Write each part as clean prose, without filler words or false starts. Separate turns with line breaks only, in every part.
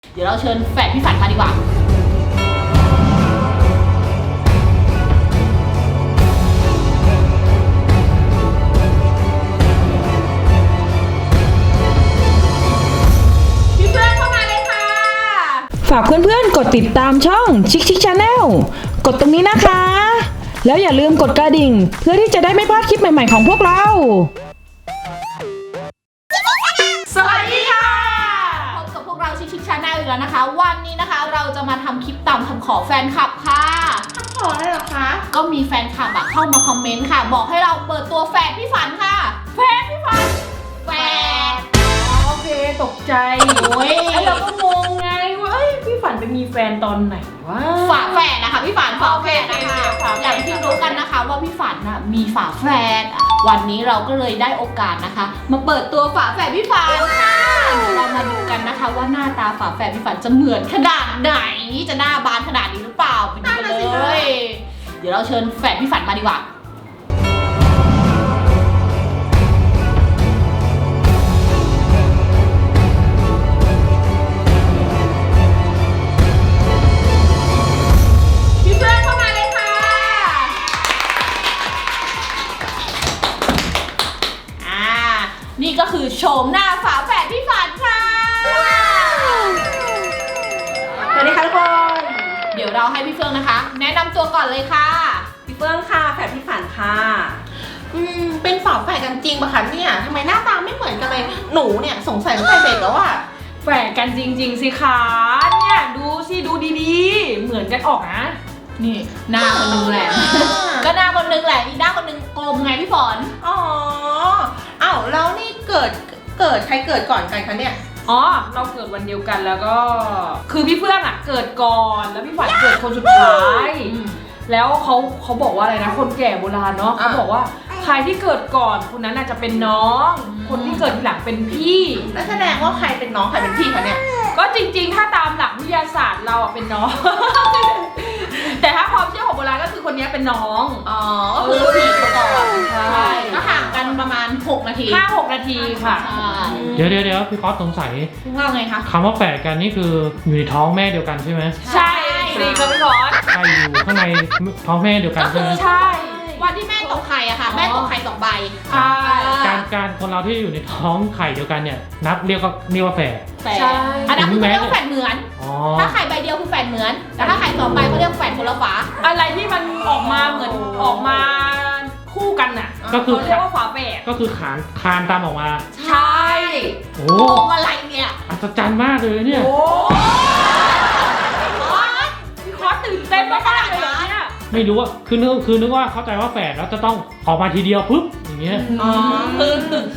เดี๋ยวเราเชิญแฝดพี่ฝันมาดีกว่าพี่เพื่อนเข้ามาเลยค่ะ
ฝากเพื่อนๆกดติดตามช่องชิคชิคชาแนลกดตรงนี้นะคะ แล้วอย่าลืมกดกระดิ่งเพื่อที่จะได้ไม่พลาดคลิปใหม่ๆของพวกเรา
สวัสดีค่ะพบกับพวกเราชิคชิคชาแนลอีกแล้วนะคะวันนี้นะคะเราจะมาทำคลิปตามคำขอแฟนคลับค่ะคำขออะไรหรอคะก็มีแฟนคลับเข้ามาคอมเมนต์ค่ะบอกให้เราเปิดตัวแฝดพี่ฝันค่ะแฝดพี่ฝันแฝด
โอเคตกใจ
โอ้ย
เราก็งงไงว่าพี่ฝันไปมีแฟนตอนไหนวะ
ฝาแฝดนะคะพี่ฝันฝาแฝดนะคะอย่างที่รู้กันนะคะว่าพี่ฝันน่ะมีฝาแฝดวันนี้เราก็เลยได้โอกาสนะคะมาเปิดตัวฝาแฝดพี่ฝันค่ะเรามาดูกันนะคะว่าหน้าตาฝาแฝดพี่ฝันจะเหมือนขนาดไหนจะหน้าบานขนาดนี้หรือเปล่าไปดูกันเลยเดี๋ยวเราเชิญแฝดพี่ฝันมาดีกว่านี่ก็คือโฉมหน้าฝาแฝดพี่ฝันค่ะ
สวัสดีค่ะทุกคน
เดี๋ยวเราให้พี่เฟื่องนะคะแนะนำตัวก่อนเลยค่ะ
พี่เฟื่องค่ะแฝดพี่ฝันค่ะเป็นฝาแฝดกันจริงปะคะเนี่ยทำไมหน้าตาไม่เหมือนกันเลยหนูเนี่ยสงสัยตั้งแต่เด็กแล้วอะ
แฝดกันจริงๆสิคะเนี่ยดูสิดูดีๆเหมือนกันออกนะ
นี่หน้าคนนึงแหละก็หน้าคนนึงแหละอีกหน้าคนนึงกลมไงพี่ฝน
อ๋ออ้าวแล้วนี่เกิดใครเกิดก่อนกันคะเนี่ย
อ๋อเราเกิดวันเดียวกันแล้วก็คือพี่เฟื่องอ่ะเกิดก่อนแล้วพี่ฝันเกิดคนสุดท้ายแล้วเขาบอกว่าอะไรนะคนแก่โบราณเนาะเขาบอกว่าใครที่เกิดก่อนคนนั้นอาจจะเป็นน้องคนที่เกิดทีหลังเป็นพี่
แล้วแสดงว่าใครเป็นน้องใครเป็นพี่คะเนี่ย
ก็จริงๆถ้าตามหลักวิทยาศาสตร์เราเป็นน้องแต่ถ้าความเชื่อของโบราณก็คือคนนี้เป็นน้อง
อ๋อก็คือผีก่อนใช่ก็ห่างกันประมาณ6 นาที
5-6 นาทีค่ะ
เดี๋ยวพี่ก๊อฟสงสัย
ว่าไงคะ
คำว่าแฝดกันนี่คืออยู่ในท้องแม่เดียวกันใช่ไหม
ใช่สิครับพี่ก๊อฟ
ใช่อยู่ข้างในท้องแม่เดียวกันใช่ไหม
ใช่วันที่แม่ตกไข่อะค่ะแม่ตกไข่2 ใบ
การคนเราที่อยู่ในท้องไข่เดียวกันเนี่ยนับเรียกว่าแฝด
ใช่อันนั้นคือเรียกว่าแฝดเหมือนถ้าไข่ใบเดียวคือแฝดเหมือนแต่ถ้าไข่2 ใบเขาเรียกแฝดคนละฝา
อะไรที่มันออกมาเหมือนออกมาคู่กันน่ะ
ก็คือ
เรียกว่าฝาแฝด
ก็คือคานตามออกมา
ใช่
โอ้
อะไรเนี่ย
อัศจรรย์มากเลยเนี่ย
พี่คอสตื่นเต้นมากเลยเนี่ย
ไม่รู้ว่าคือนึกว่าเข้าใจว่าแฝดแล้วจะต้องออกมาทีเดียวปุ๊บอย่างเงี้ย
คือ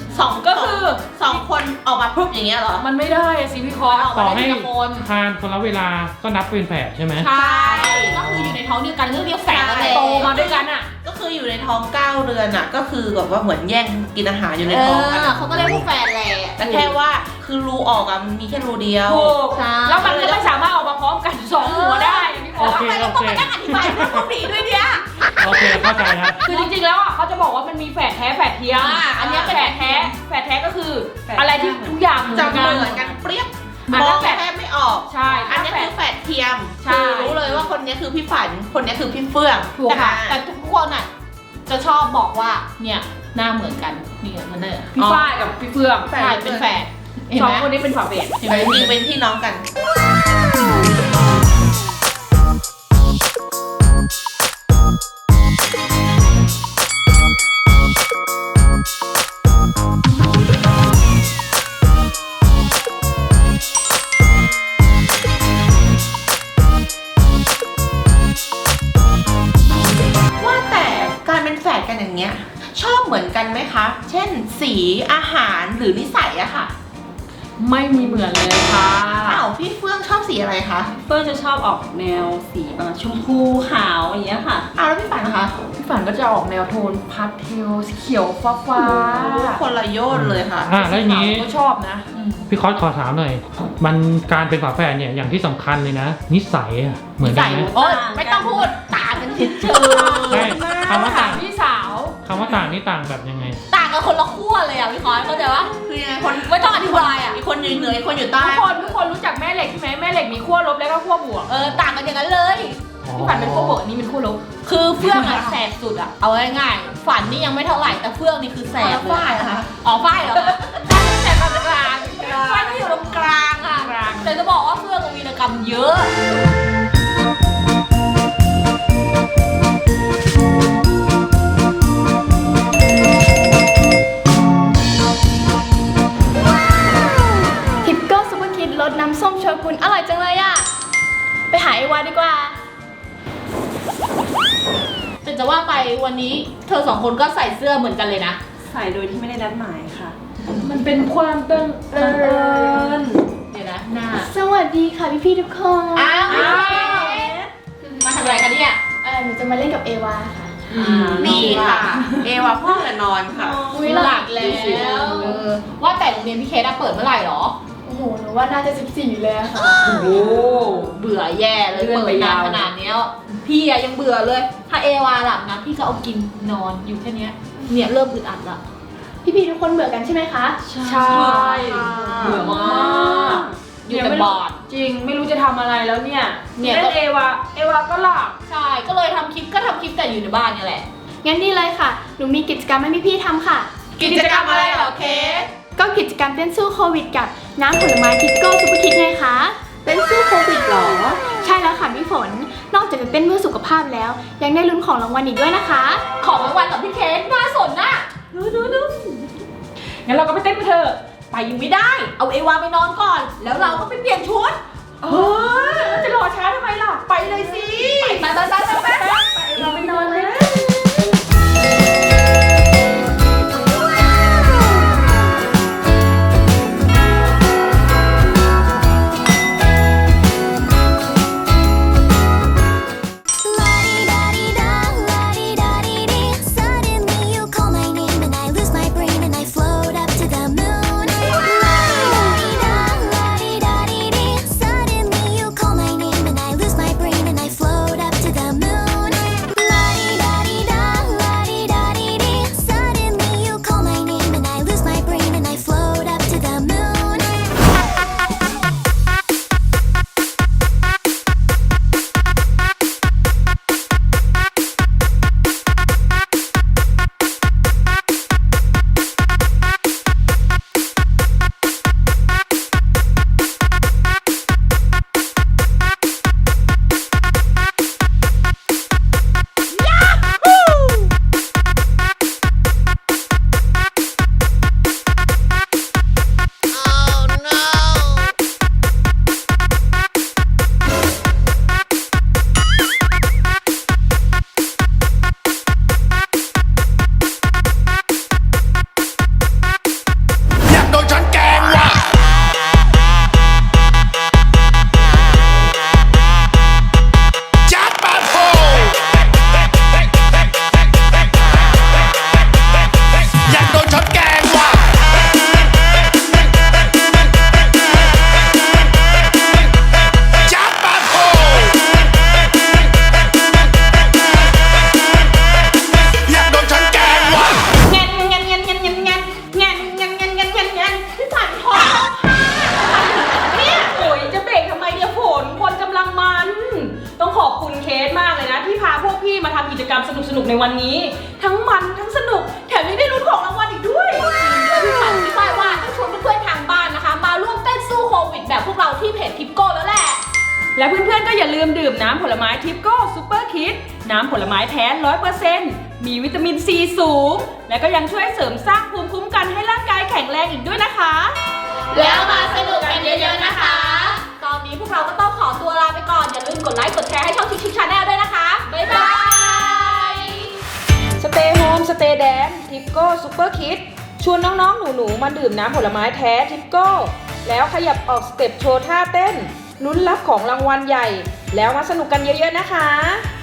2 คนออกมาปุ๊บอย่างเงี้ยเหรอ
มันไม่ได้สิพี่คอส
ต่อให้คานคนละเวลาก็นับเป็นแฝดใช่ไหม
ใช่ก็คืออยู่ในท้องเดียวกันเรียกแฝดเลย
โตมาด้วยกันอ่ะ
ก็คืออยู่ในท้อง9 เดือนอ่ะก็คือแบบว่าเหมือนแย่งกินอาหารอยู่ในท้องกัน
เขาก็เรียกว่าแฝดแหละ
แต่แค่ว่าคือรูออกอ่ะมันมีแค่รูเดียว
แล้วมันก็ไม่สามารถออกมาพร้อมกัน2 หัวได้พี่คอส
ทำไมเราต้องมานั่งอธิบายเรื่องพวกนี้ด้วยเนี่ย
โอเคเข้าใจครับ
คือจริงๆแล้วอ่ะเขาจะบอกว่ามันมีแฝดแท้แฝดเทียม
อันนี้
แฝดแท้ก็คืออะไรที่ทุกอย่างเหมื
อนกันเปรี้ยบมองแค่ไม่ออก
ใช่
อันนี้คือแฝดเทียมคือรู้เลยว่าคนนี้คือพี่ฝันคนนี้คือพี่เฟื่อง
ถูกค่ะแต่ทุกคนอ่ะจะชอบบอกว่าเนี่ยหน้าเหมือนกันนี่มันเนี่ย
พี่ฝ้ายกับพี่เฟื่อง
ใช่เป็นแฝด
2 คนนี้เป็นฝาแฝด
จริงเป็นพี่น้องกันอย่างเงี้ยชอบเหมือนกันไหมคะเช่นสีอาหารหรือนิสัยอะค่ะ
ไม่มีเหมือนเลยค่ะ
อ้าวพี่เฟื่องชอบสีอะไรคะ
เฟื่องจะชอบออกแนวสีประมาณชมพูขาวอย่างเงี้ยค่ะ
อ้าวแล้วพี่ฝันคะ
พี่ฝันก็จะออกแนวโทนพาสเทลสีเขียวฟ้า
คนละโยชน์เลยค่ะ
แล้วอย่างนี้
ก็ชอบนะ
พี่คอสขอถามหน่อยมันการเป็นฝาแฝดเนี่ยอย่างที่สำคัญเลยนะนิสัยเหมือนกันไหม
โอ๊ยไม่ต้องพูดต่างกันเฉย
ใช่คำว่าต่าง
พี่สาว
คำว่าต่างนี่ต่างแบบยังไง
ต่างกันคนละขั้วเลยอ่ะพี่คอยเข้าใจปะ
คือยังไงคน
ไม่ต้องอธิบายอ่ะ
อีกคนอยู่เหนืออีกคนอยู่ใต้
ทุกคนรู้จักแม่เหล็กใช่ไหมแม่เหล็กมีขั้วลบแล้วก็ขั้วบวก
ต่างกันอย่างนั้นเลย
พี่ฝันเป็นขั้วบวกอันนี้เป็นขั้วลบ
คือเฟื่องอะแสบสุดอะเอาง่ายๆฝันนี่ยังไม่เท่าไหร่แต่เฟื่องนี่คือแสบเลย
ฝ้ายเหรอคะ
อ๋อฝ้ายเหรอฝ้ายแสบตรงกลางฝ้ายไม่อยู่ตรงกลางอะแต่จะบอกว่าเฟื่องมีวีรกรรมเยอะ
ทิปโก้ซุปเปอร์คิดรสน้ำส้มโชกุนอร่อยจังเลยอะไปหาไอวาดีกว่า
แต่จะว่าไปวันนี้เธอสองคนก็ใส่เสื้อเหมือนกันเลยนะ
ใส่โดยที่ไม่ได้นัดหมายค่ะ
มันเป็นความเอิญ
เดี๋ยวนะหน้า
สวัสดีค่ะพี่ๆทุกคน
อ้าวมาทำอะไรกันเนี่ย
หนูจะมาเล่นกับเอวาค่ะ
นี่ค่ะ เอวาพ่อแต่นอนค่ะ
อุ๊ย
หลักแล้วว่าแต่โรงเรียนพี่เคสอะเปิดเมื่อไหร่หรอ
โอ้โหหนูว่าน่าจะ14เลยอะค่ะ
โอ้โห
เบื่อแย่เลย
เลื่อน
เปิ
ไป
ดนาย
าน ว
ขนาดเนี้ยพี่อะยังเบื่อเลย ถ้าเอวาหลับนะพี่ก็เอากินนอนอยู่แค่เนี้ยเนี่ยเริ่มอึดอัดละ
พี่ๆทุกคนเบื่อกันใช่ไหมคะ
ใช่เบื่อมาก
อยู่แต่บอร์ด
จริงไม่รู้จะทำอะไรแล้วเนี่ย
เนี่ยก็
เล่นเอวาก็หลับ
ใช่ก็เลยทำคลิปแต่อยู่ในบ้านเนี่ยแหละ
งั้นนี่เลยค่ะ หนูมีกิจกรรมให้พี่ๆทำค่ะ
กิจกรรมอะไรเหรอเคส
ก็กิจกรรมเต้นสู้โควิดกับน้ำผลไม้ทิปโก้ซุปเปอร์คิดไงคะ
เต้นสู้โควิดเหรอ
ใช่แล้วค่ะพี่ฝน นอกจากจะเต้นเพื่อสุขภาพแล้ว ยังได้ลุ้นของรางวัลอีกด้วยนะคะ
ของรางวัลกับพี่เคสน่าสนน่ะดู
งั้นเราก็ไปเต้นกันเถอะ
ไปยังไม่ได้ เอาเอวาไปนอนก่อน แล้วเราก็ไปเปลี่ยนชุด
เฮ้ยแล้วจะรอช้าทำไมล่ะ ไปเลยสิ
ไป
เราไปนอนเลย
Suddenly you call my name and I lose my brain and I float up to the moon. Suddenly you call my name and I lose my brain and I float up to the moon. Suddenly you call my name and I lose my brain and I float up to the moon.
อยากโดนฉันแกล้งว่ะจัดมาโถอยากโดนฉันแกล้งว่ะจัดมาโถอยากโดนฉันแกล้งว่ะ
พี่ฝันพอ
เนี่ยโอ้ยจะเบรกทำไมเนี่ยฝนคนกำลังมัน ต้องขอบคุณเคสมากเลยนะ ที่พาพวกพี่มาทำกิจกรรมสนุกๆในวันนี้ ทั้งมันทั้งสนุก แถมยังได้ลุ้นของรางวัลอีกด้วย
พี่ฝันพี่ฝ้ายว่าต้องชวนเพื่อนๆทางบ้านนะคะ มาร่วมเต้นสู้โควิดแบบพวกเราที่เพจทิปโก้แล้วแหละ
และเพื่อนๆก็อย่าลืมดื่มน้ำผลไม้ทิปโก้ซูเปอร์คิดน้ำผลไม้แท้ 100%มีวิตามินซีสูง และก็ยังช่วยเสริมสร้างภูมิคุ้มกันให้ร่างกายแข็งแรงอีกด้วยนะคะ
แล้วมาสนุกกันเยอะๆนะคะ ตอนนี้พวกเราก็ต้องขอตัวลาไปก่อน อย่าลืมกดไลค์กดแชร์ให้ช่องชิคๆชาแนลด้วยนะคะ บ๊ายบาย
สเตย์โฮมสเตย์แดนทิปโก้ซูเปอร์คิดชวนน้องๆหนูๆมาดื่มน้ำผลไม้แท้ทิปโก้แล้วขยับออกสเต็ปโชว์ท่าเต้นลุ้นรับของรางวัลใหญ่ แล้วมาสนุกกันเยอะๆนะคะ